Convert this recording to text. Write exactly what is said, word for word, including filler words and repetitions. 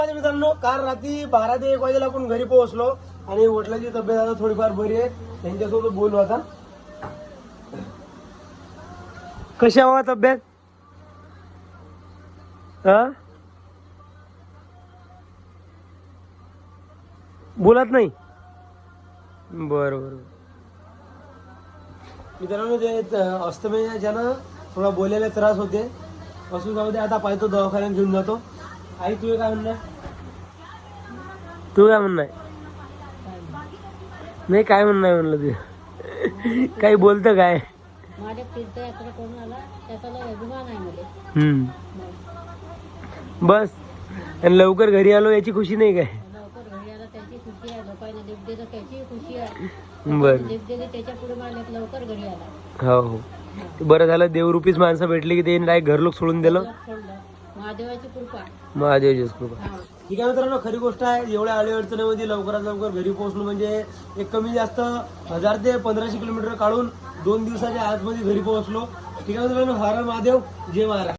मित्रांनो काल रात्री बारा ते एक वाजेला आपण घरी पोहोचलो आणि वडिलांची तब्येत आता थोडीफार बरी आहे. त्यांच्यासोबत बोलू आता. कशी हवा तब्येत? हा बोलत नाही. बर बर मित्रांनो ते अस्तमेच्या ना थोडा बोलायला त्रास होते. असू जाऊ दे आता पाहतो दवाखान्यात घेऊन जातो. आई तुझे काय म्हणणं? तू काय म्हणणं आहे? नाही काय म्हणणं आहे म्हणलं ते काही बोलतं काय? माझ्या तीर्थयात्रा करून आला त्याचा लय अभिमान आहे मला. हम्म बस आणि लवकर घरी आलो याची खुशी नाही काय? लवकर घरी आला त्याची खुशी आहे. लोकांना लिप दिलं त्याची खुशी आहे. बरं लिप दिली त्याच्या पुढे मला लवकर घरी आला. हो हो बरं झालं देवरूपीच माणसं भेटली की ते डायरेक्ट घरलोक सोडून दिलं. सोडलं महादेवाची कृपा. महादेवची कृपा. ठीक आहे मित्रांनो खरी गोष्ट आहे. एवढ्या अडी अडचणीमध्ये लवकरात लवकर घरी पोहोचलो म्हणजे एक कमी जास्त हजार ते पंधराशे किलोमीटर काढून दोन दिवसाच्या आतमध्ये घरी पोहोचलो. ठीक आहे मित्रांनो हर हर महादेव जय महाराज.